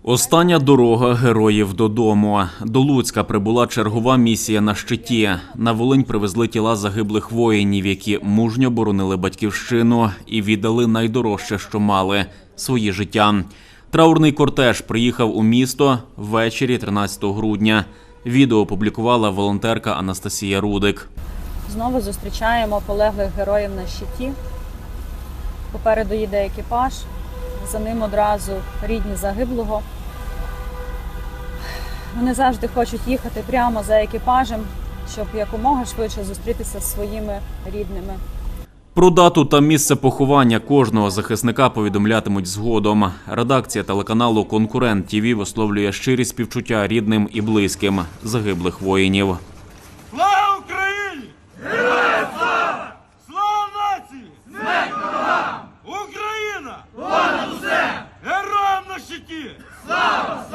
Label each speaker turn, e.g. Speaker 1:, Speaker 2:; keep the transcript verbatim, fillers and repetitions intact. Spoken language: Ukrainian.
Speaker 1: Остання дорога героїв додому. До Луцька прибула чергова місія на щиті. На Волинь привезли тіла загиблих воїнів, які мужньо боронили батьківщину і віддали найдорожче, що мали – свої життя. Траурний кортеж приїхав у місто ввечері тринадцятого грудня. Відео опублікувала волонтерка Анастасія Рудик.
Speaker 2: Знову зустрічаємо полеглих героїв на щиті. Попереду їде екіпаж, за ним одразу рідні загиблого. Вони завжди хочуть їхати прямо за екіпажем, щоб якомога швидше зустрітися з своїми рідними.
Speaker 1: Про дату та місце поховання кожного захисника повідомлятимуть згодом. Редакція телеканалу «Конкурент ТІВІ» висловлює щирі співчуття рідним і близьким загиблих воїнів.
Speaker 3: Слава Україні! Героям слава! Слава нації! Смерть ворогам! Україна! Понад усе! Героям на щиті! Слава!